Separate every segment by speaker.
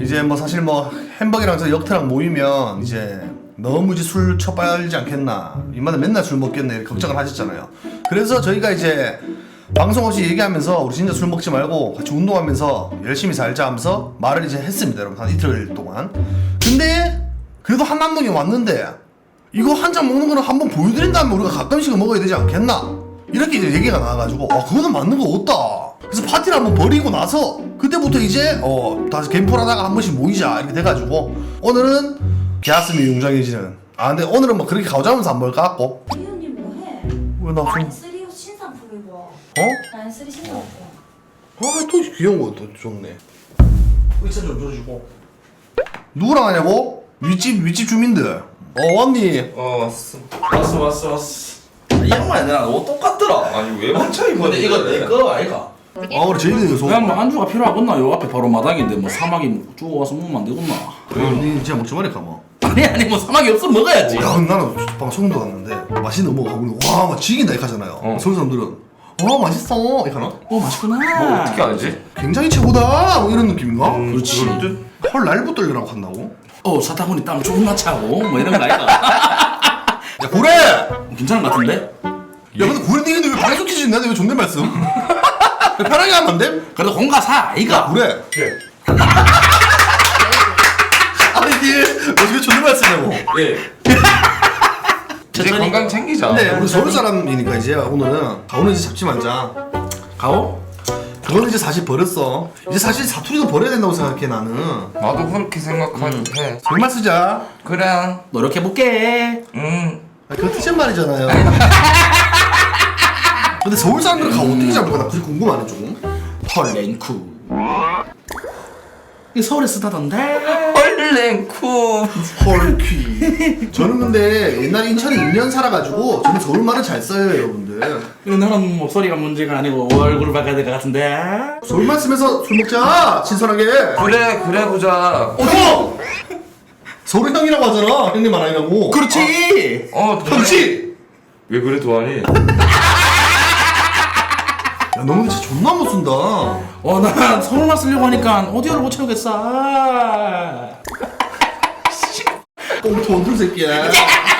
Speaker 1: 이제 뭐 사실 뭐 햄버거랑 저 역태랑 모이면 이제 너무 이제 술 처빨지 않겠나, 이마다 맨날 술 먹겠네 이렇게 걱정을 하셨잖아요. 그래서 저희가 이제 방송 없이 얘기하면서 우리 진짜 술 먹지 말고 같이 운동하면서 열심히 살자 하면서 말을 이제 했습니다, 여러분. 한 이틀 동안. 근데 그래도 한남동에 왔는데 이거 한 잔 먹는 거는 한번 보여드린 다음에 우리가 가끔씩은 먹어야 되지 않겠나, 이렇게 이제 얘기가 나와가지고 그거는 맞는 거 없다. 그래서 파티를 한번 벌이고 나서 그때부터 이제 다시 갬플하다가 한 번씩 모이자 이렇게 돼가지고 오늘은 개아슴이 웅장해지는. 근데 오늘은 뭐 그렇게 가오자면서 안 먹을 것 같고.
Speaker 2: 이현님 뭐해?
Speaker 1: 왜 나 좀
Speaker 2: 쓰리 옷 신상품 입어. 난 쓰리 신상품.
Speaker 1: 또 귀여운 거 또 좋네. 의자 좀 줘주고. 누구랑 하냐고? 윗집 주민들. 왔니?
Speaker 3: 왔어. 이 양말 내랑 옷 똑같더라.
Speaker 4: 아니 왜 맞춰 입었는데?
Speaker 3: 이거 내거 아이가?
Speaker 1: 그래 저희는 이거
Speaker 3: 그냥 뭐 안주가 필요하겠나? 요 앞에 바로 마당인데 뭐 사막이 주워 와서 먹으면 안 되겠나?
Speaker 1: 니 진짜 먹지 말까 뭐.
Speaker 3: 아니 뭐 사막이 없으면 먹어야지.
Speaker 1: 야, 나는 방금 소문도 갔는데 맛있는 거 먹어보고 와, 막 지긴다 이렇게 하잖아요. 서울 사람들은 와, 맛있어 이렇게 하나?
Speaker 3: 맛있구나.
Speaker 4: 뭐 어떻게 알지?
Speaker 1: 굉장히 최고다 뭐 이런 느낌인가?
Speaker 3: 그렇지.
Speaker 1: 헐, 날부 떨려라고 한다고?
Speaker 3: 사타구니 땀 조금만 차고 뭐 이런 거 아이가?
Speaker 1: 야, 고래!
Speaker 3: 괜찮은 것 같은데?
Speaker 1: 야, 근데 고래 니는데 왜 방송 퀴즈 있는데 왜 존댓 말씀? 편하게 하면 안 돼?
Speaker 3: 그래도 공가사 아이가?
Speaker 1: 고래!
Speaker 4: 예.
Speaker 1: 아니, 니 어떻게 존댓 말씀이냐고.
Speaker 4: 예. 이제 건강 챙기자.
Speaker 1: 근데 우리 서울 사람이니까 이제 오늘은 가오는 이제 잡지 말자.
Speaker 3: 가오?
Speaker 1: 그거는 이제 사실 버렸어. 이제 사실 사투리도 버려야 된다고 생각해 나는.
Speaker 4: 나도 그렇게 생각하는데.
Speaker 1: 정말 쓰자.
Speaker 4: 그래.
Speaker 3: 노력해볼게.
Speaker 1: 그거 뜻은 말이잖아요. 근데 서울 사람들은 가오 어떻게 잡을까? 나 그게 궁금하네 좀.
Speaker 3: 헐랭쿠. 이 서울에 쓰다던데?
Speaker 4: 헐랭쿠.
Speaker 1: 헐퀴. 저는 근데 옛날에 인천에 2년 살아가지고 저는 서울 말을 잘 써요, 여러분들.
Speaker 3: 나는 목소리가 문제가 아니고 얼굴을 바꿔야 될 것 같은데?
Speaker 1: 서울 말 쓰면서 술 먹자, 신선하게.
Speaker 4: 그래 보자.
Speaker 1: 형! 서울 형이라고 하잖아, 형님 안 아니라고.
Speaker 3: 그렇지!
Speaker 1: 그렇지!
Speaker 4: 왜 그래 도안이?
Speaker 1: 야, 너는 진짜 존나 못 쓴다.
Speaker 3: 난 서울말 쓰려고 하니까 오디오를 못 채우겠어.
Speaker 1: 꽁트 원툴 새끼야.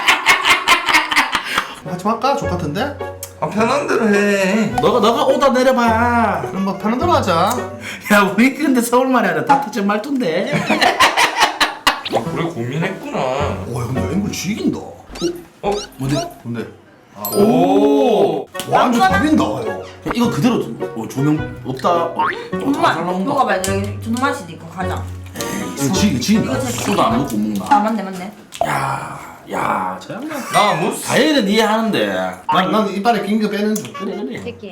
Speaker 1: 같이 할까? 좋같은데?
Speaker 4: 편한 대로 해.
Speaker 3: 너가 오다 내려봐.
Speaker 1: 그럼 뭐 편한 대로 하자.
Speaker 3: 야, 우리 근데 서울말이 아니라 다트제 말투인데?
Speaker 4: 그래 고민했구나.
Speaker 1: 와, 근데 앵글 죽인다. 뭔데?
Speaker 4: 오.
Speaker 1: 와, 완전 답인다, 형.
Speaker 3: 이거 그대로 조명 없다.
Speaker 2: 정말
Speaker 3: 잘 나온다.
Speaker 2: 뭐가 말이야? 존맛이도 있고 가자.
Speaker 1: 이거 지긴다.
Speaker 2: 이거 제
Speaker 3: 술도 안 먹고 먹나?
Speaker 2: 맞네.
Speaker 3: 야, 저 양반.
Speaker 4: 나 무슨?
Speaker 3: 다이어트는 이해하는데.
Speaker 1: 난 이빨에 낀 거 빼는 중.
Speaker 3: 그래.
Speaker 2: 새끼.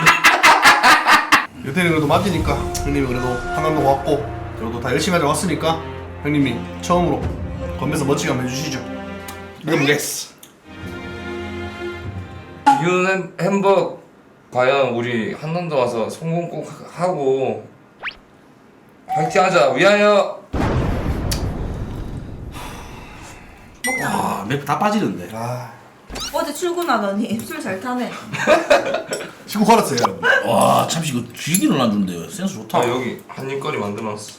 Speaker 1: 여태는 그래도 맞으니까 형님이 그래도 한남동 왔고 그래도 다 열심히 하자 왔으니까 형님이 처음으로 건배서 멋지게 한번 해주시죠.
Speaker 3: 해보겠어.
Speaker 4: 비운 햄버거 과연 우리 한남도 와서 성공 꼭 하고 파이팅하자. 위하여.
Speaker 3: 와, 맵 다 빠지는데.
Speaker 2: 어제 출근하더니 술 잘 타네.
Speaker 1: 치고 걸었어요, 여러분.
Speaker 3: 와, 참치 이거 쥐기는 안 준대요. 센스 좋다.
Speaker 4: 여기 한입거리 만들어놨어.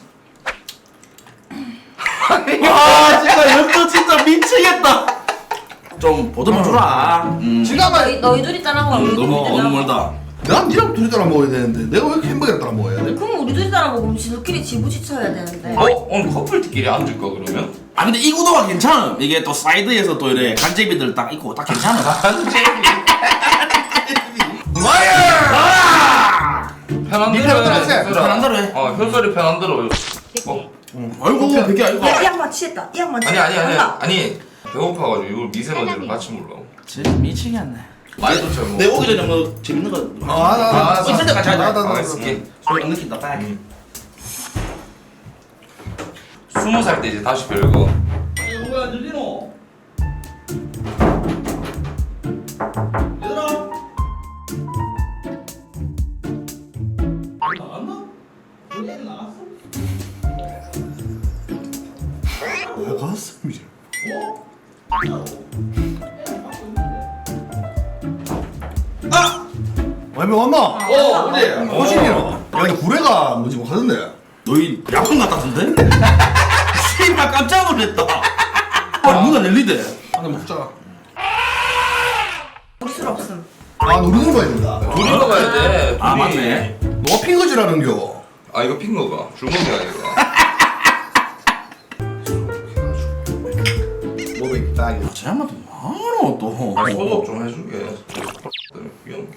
Speaker 3: 진짜 이것도 진짜 미치겠다. 좀 보듬어 주라.
Speaker 1: 지갑을
Speaker 2: 너희 둘이 따라 먹어. 우리 둘이
Speaker 3: 너무
Speaker 2: 따라 먹어.
Speaker 3: 멀다.
Speaker 1: 난 니랑 둘이 따라 먹어야 되는데 내가 왜 이렇게 햄버거를 따라 먹어야 돼?
Speaker 2: 그럼 우리 둘이 따라 먹으면 지들끼리 지부지쳐야 되는데.
Speaker 4: 오늘 커플끼리 앉을까 그러면?
Speaker 3: 근데 이 구도가 괜찮음. 이게 또 사이드에서 또 이래 간제비들 딱 있고 딱 괜찮아.
Speaker 4: 편한
Speaker 1: 니
Speaker 4: 대로
Speaker 1: 편한 대로 하세요.
Speaker 3: 편한 대로 해.
Speaker 4: 효소리 편한 대로.
Speaker 3: 아이고, 그게 아이고.
Speaker 2: 이 양반 취했다. 이 양반 취했다.
Speaker 4: 아니 배고파가지고 이걸 미세먼지를 같이 먹으려고.
Speaker 3: 진짜 미치겠네.
Speaker 4: 많이 좀 잘 먹어.
Speaker 3: 내 오기 전에 뭐 재밌는 거. 있을 때 같이 하자.
Speaker 4: 아, 있을게.
Speaker 3: 소리 안 느낀다. 딱.
Speaker 4: 20살 때 이제 다시 별거.
Speaker 3: 뭐야 늘리노? 얘들아. 나갔나? 우리 애들 나갔어?
Speaker 1: 가슴이지. 왜 왔나?
Speaker 3: 어디?
Speaker 1: 호신이라. 야, 근데 구례가 뭐지 뭐 하던데.
Speaker 3: 너희 약혼 같았는데? 씨발 깜짝 놀랐다. 아 누가 낼리대?
Speaker 1: 하나 먹자.
Speaker 2: 우리 술 없음.
Speaker 1: 아 노리는 거야 된다.
Speaker 4: 둘이 먹어야 돼.
Speaker 3: 아
Speaker 4: 둘이.
Speaker 3: 맞네.
Speaker 1: 너가 핀 거지라는겨.
Speaker 4: 아 이거 핀 거가 줄먹이야 이거.
Speaker 1: 뭐백 딱이.
Speaker 3: 아, 쟤 한번 많어 또.
Speaker 4: 아, 소독 좀 해주게. 귀여워.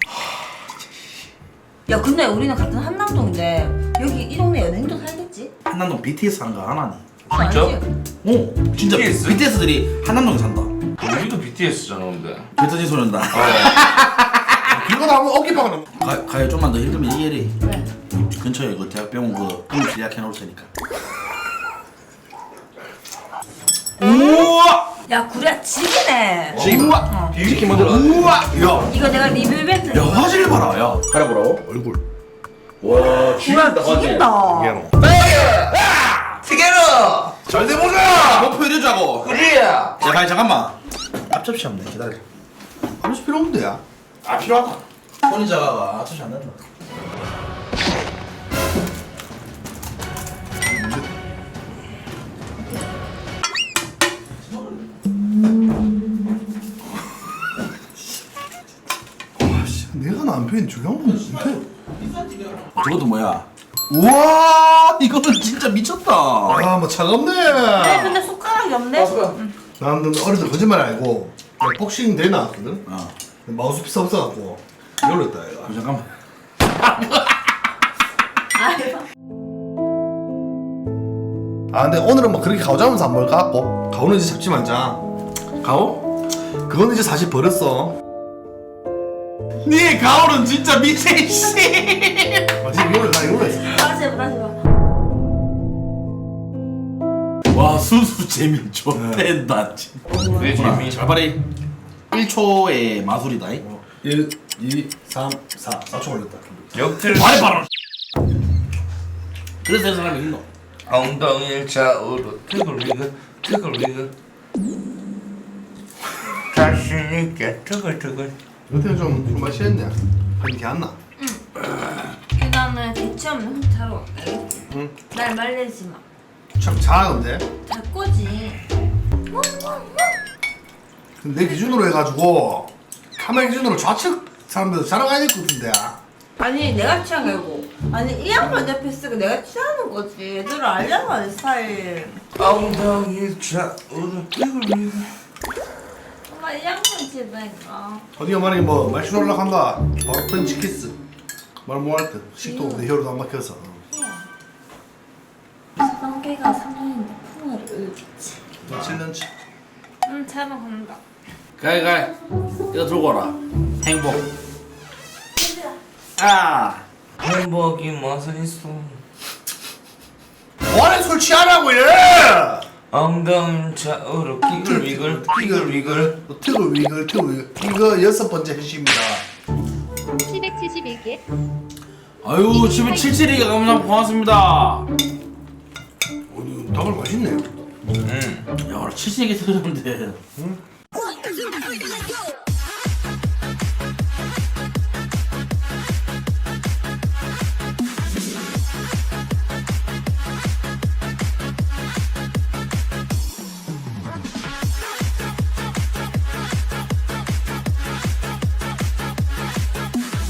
Speaker 2: 야 근데 우리는 같은 한남동인데 여기 이 동네 연예인도 살겠지?
Speaker 3: 한남동 BTS 산 거 하나니?
Speaker 4: 진짜?
Speaker 3: 오 진짜
Speaker 4: BTS?
Speaker 3: BTS들이 한남동에 산다.
Speaker 4: 우리도 BTS잖아 근데.
Speaker 3: 뱉어진 소리한다.
Speaker 1: 이거 다 한번 어깨 박아놓.
Speaker 3: 가요 좀만 더 힘들면 얘기해리.
Speaker 2: 네.
Speaker 3: 근처에 그 대학병원 그 응급 예약해 놓을 테니까. 우와!
Speaker 2: 야 구리야 지기네.
Speaker 3: 우와!
Speaker 4: 비비키 먼저.
Speaker 3: 우와! 야!
Speaker 2: 이거 내가 리뷰 이벤트.
Speaker 3: 야 화질 봐라 야. 가려보라고?
Speaker 1: 얼굴.
Speaker 3: 와
Speaker 2: 구리야 지긴다.
Speaker 4: 티게로. 잘 돼보자.
Speaker 3: 아, 목표 이러자고.
Speaker 4: 그래.
Speaker 3: 야 가요 잠깐만. 앞접시 없네 기다려.
Speaker 1: 아무시 필요 없는데 야.
Speaker 3: 아 필요하다. 손이 작아가 앞접시 안 된다.
Speaker 1: 내가 남편이 조용한 못해.
Speaker 3: 저것도 뭐야? 우와 이거는 진짜 미쳤다.
Speaker 1: 아뭐 차갑네.
Speaker 2: 네 근데 숟가락이 없네.
Speaker 1: 나는 어릴 때 거짓말 알고 복싱 대회 나왔거든.
Speaker 3: 어.
Speaker 1: 마우스피스 없어갖고 이걸로 했다 얘가.
Speaker 3: 잠깐만.
Speaker 1: 아 근데 오늘은 뭐 그렇게 가오자면서 안 먹을 것 같고 가오는 이제 잡지 말자.
Speaker 3: 가오?
Speaker 1: 그거는 이제 사실 버렸어.
Speaker 3: 네 가오는 진짜 미세 씨.
Speaker 1: 맞지? 이걸로 나 이걸로 했어.
Speaker 2: 다시 해봐 다시 해봐.
Speaker 3: 와 수수 재미 좋댄다 진짜.
Speaker 4: 내 재미.
Speaker 3: 잘 봐리. 1초의 마술이다.
Speaker 1: 1, 2, 3, 4. 4초 걸렸다.
Speaker 4: 역틀.
Speaker 3: 말해 봐라. 그래서 이 사람이 있노.
Speaker 4: 엉덩이를 좌우로 트글리글 트글리글. 자신 있게 트글트글.
Speaker 1: 이것도 좀 맛있겠네. 그렇게 안 나.
Speaker 2: 그 다음에 대체 없는 흑타로 알겠지?
Speaker 1: 응.
Speaker 2: 날 말리지 마.
Speaker 1: 참 잘하는데.
Speaker 2: 잘 거지.
Speaker 1: 근데 내 기준으로 해가지고 카메라 기준으로 좌측 사람들 자랑해야 될 것 같은데.
Speaker 2: 아니 내가 취한 게 아니고 아니 이 양반 옆에 있으니까 내가 취하는 거지. 얘들을 알려고 하는 스타일.
Speaker 4: 엉덩이를 좌우로 트글리글.
Speaker 2: 엄마 이 양반 집에니까.
Speaker 1: 어디가 만약에 뭐 말씀 올라간다. 바로 펀치 키스. 말 못할 듯. 식도 내 혀로도 안 막혀서.
Speaker 2: 성계가 3년인데 풍어를 울겠지.
Speaker 1: 7년치.
Speaker 2: 응 잘 먹는다.
Speaker 3: 가이 이거 들고 와라. 행복. 아.
Speaker 4: 행복이 맛은 있어.
Speaker 1: 뭐하는 술 취하라고 얘!
Speaker 4: 엉덩이를 좌우로 끼글위글 끼글위글.
Speaker 1: 트글 위글 트글 위글. 이거 6번째 해주입니다.
Speaker 5: 771개.
Speaker 3: 아유 77이가 너무나 고맙습니다.
Speaker 1: 오늘 닭을 맛있네요.
Speaker 3: 야 70개 들었는데.